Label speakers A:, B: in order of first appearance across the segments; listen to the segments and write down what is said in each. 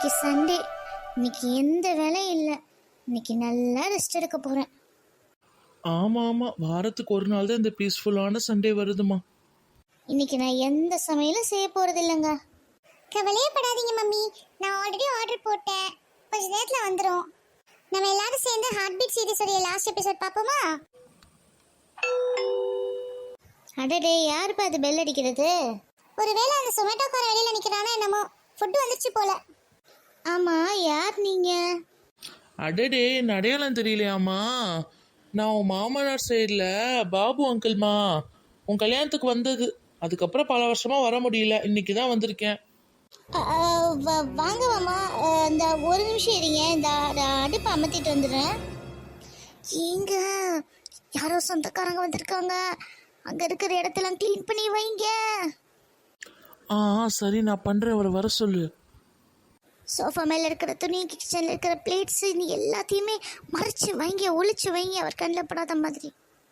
A: இன்னைக்கு சண்டே, இன்னைக்கு எந்த வேலையும் இல்லை. இன்னைக்கு நல்லா ரெஸ்ட் எடுக்க போறேன்.
B: ஆமா ஆமா, வாரத்துக்கு ஒரு நாள் தான் இந்த பீஸ்ஃபுல்லான சண்டே வருதுமா.
A: இன்னைக்கு நான் எந்த சமையலும் செய்ய போறது இல்லைங்க.
C: கவலையே படாதீங்க மம்மி, நான் ஆல்ரெடி ஆர்டர் போட்டேன், கொஞ்ச நேரத்துல வந்துடும். நம்ம எல்லாரும் சேர்ந்து ஹார்ட் பீட் சீரிஸோட லாஸ்ட் எபிசோட் பார்ப்போமா?
A: அடடே, யாருப்பா அது பெல் அடிக்கிறது?
C: ஒருவேளை அந்த சொமேட்டோக்கார வெளியில நிக்கிறானா என்னமோ, ஃபுட் வந்துச்சு போல.
A: ஆமா, யார் நீங்க?
B: அடடே, என் அடையாளம் தெரியலையாமா? நான் உன் மாமனார் சைடில் பாபு அங்கிள்மா. உன் கல்யாணத்துக்கு வந்தது, அதுக்கப்புறம் பல வருஷமா வர முடியல, இன்னைக்கு தான் வந்திருக்கேன்.
A: வாங்க மாமா, இந்த ஒரு நிமிஷம் இருங்க, இந்த அடுப்பு அமர்த்திட்டு வந்துடுறேன். ஏங்க, யாரோ சொந்தக்காரங்க வந்திருக்காங்க, அங்க இருக்கிற இடத்தெல்லாம் கிளீன் பண்ணி வைங்க.
B: ஆ சரி, நான் பண்ணுறேன், அவரை வர சொல்லு.
A: சோஃபா மேல இருக்கிற துணி, கிச்சன்ல இருக்கிற பிளேட்ஸ், நீ எல்லாத்தையுமே மறைச்சு வைங்க, ஒளிச்சு வைங்க, அவர் கண்ணில் படாத மாதிரி.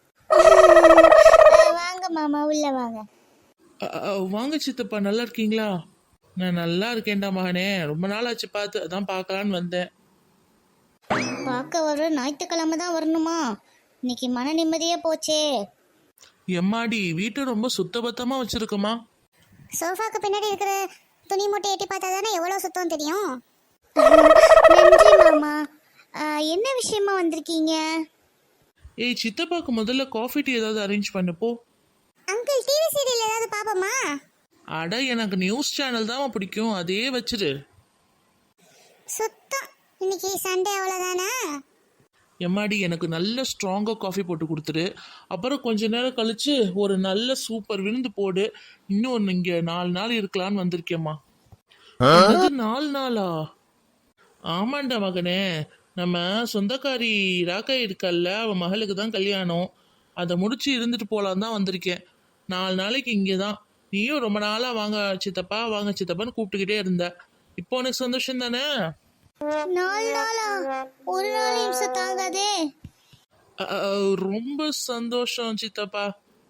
A: வாங்க மாமா, உள்ள வாங்க.
B: வாங்க சித்தப்பா, நல்லா இருக்கீங்களா? நான் நல்லா இருக்கேன்டா மகனே, ரொம்ப நாள் ஆச்சு பார்த்து, அதான் பார்க்கலான்னு வந்தேன்.
A: பார்க்க வர ஞாயிற்றுக்கிழமை தான் வரணுமா? இன்னைக்கு மன நிம்மதியே போச்சே.
B: எம்மாடி, வீட்டை ரொம்ப சுத்தபத்தமாக வச்சிருக்கோமா.
C: சோஃபாக்கு பின்னாடி இருக்கிற துணி மூட்டை எட்டி பார்த்தா தானே எவ்வளவு சுத்தம் தெரியும்.
A: நன்றி மாமா. என்ன விஷயமா வந்திருக்கீங்க?
B: ஏய், சித்தப்பாக்கு முதல்ல காஃபி டீ ஏதாவது அரேஞ்ச் பண்ணுப்போ.
C: அங்கிள், டிவி சீரியல் ஏதாவது பாப்போமா?
B: அட, எனக்கு நியூஸ் சேனல் தான் பிடிக்கும், அதே வச்சிரு.
C: சுத்தம், இன்னைக்கு சண்டே அவ்வளோதானா?
B: எம்மாடி, எனக்கு நல்ல ஸ்ட்ராங்காக காஃபி போட்டு கொடுத்துரு. அப்புறம் கொஞ்ச நேரம் கழிச்சு ஒரு நல்ல சூப்பர் விருந்து போடு. இன்னும் இங்கே 4 நாள் இருக்கலான்னு வந்திருக்கேம்மா. 4 நாளா? ஆமாண்டா மகனே, நம்ம சொந்தக்காரி ராக்கா இருக்கல்ல, அவன் மகளுக்கு தான் கல்யாணம். அதை முடிச்சு இருந்துட்டு போகலான் தான் வந்திருக்கேன். 4 நாளைக்கு இங்கே தான். நீயும் ரொம்ப நாளாக வாங்க சித்தப்பா, வாங்க சித்தப்பான்னு கூப்பிட்டுக்கிட்டே இருந்த. இப்போ உனக்கு சந்தோஷம் தானே?
A: 4 நாளா? ஒரு நாள் நிமிஷம் தாங்காதே.
B: ரொம்ப சந்தோஷம் சித்தப்பா.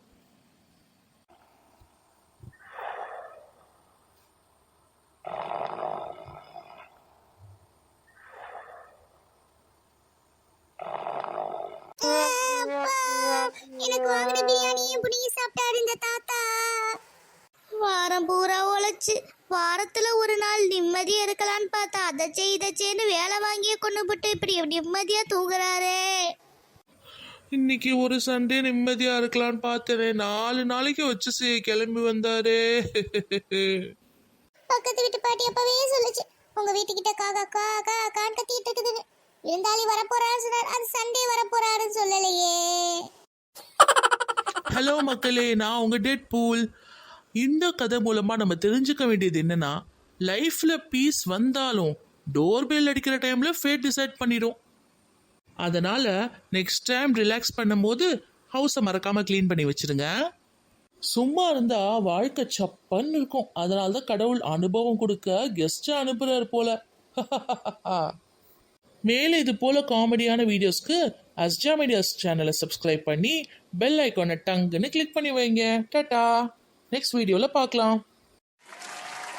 C: எனக்கு வாங்கின பிரியாணியும் புடிங்கி சாப்பிட்டாரு இந்த தாத்தா.
A: வாரம் பூரா உழைச்சு வாரத்துல ஒரு நாள் நிம்மதியா இருக்கலான்னு பார்த்தா அதை செய் இதை செய்ன்னு வேலை வாங்கியே கொண்டு போட்டு இப்படி நிம்மதியா தூங்குறாரே.
B: இன்னைக்கு ஒரு சண்டே நிம்மதியா இருக்கலாம்னு பார்த்தேனே, 4 நாளைக்கு வச்சு கிளம்பி வந்தாரே.
C: பக்கத்து வீட்டு பாட்டி அப்பவே சொல்லுச்சு, உங்க வீட்டுக்கிட்ட காக்கா காக்கா கான் கத்திட்டு இருக்குதுன்னு. இருந்தாலும் வரப்போறாரு சொன்னார், அது சண்டே வரப்போறாருன்னு சொல்லலையே.
B: ஹலோ மக்களே, நான் உங்க டெட் பூல். இந்த கதை மூலமா நம்ம தெரிஞ்சுக்க வேண்டியது என்னன்னா, லைஃப்ல பீஸ் வந்தாலும் டோர்பெல் அடிக்கிற டைம்ல ஃபேட் டிசைட் பண்ணிடும். அதனால நெக்ஸ்ட் டைம் ரிலாக்ஸ் பண்ணும்போது ஹவுஸை மறக்காம க்ளீன் பண்ணி வச்சிருங்க. சும்மா இருந்தா வாழ்க்கை சப்பன்னு இருக்கும். அதனால தான் கடவுள் அனுபவம் கொடுக்க கெஸ்ட் அனுப்புறாரு போல. மேலே இது போல காமெடியான வீடியோஸ்க்கு அஸ்ஜா மீடியாஸ் சேனலை சப்ஸ்கிரைப் பண்ணி பெல் ஐக்கானை டங்குன்னு கிளிக் பண்ணி வைங்க. டாடா, நெக்ஸ்ட் வீடியோவில் பார்க்கலாம்.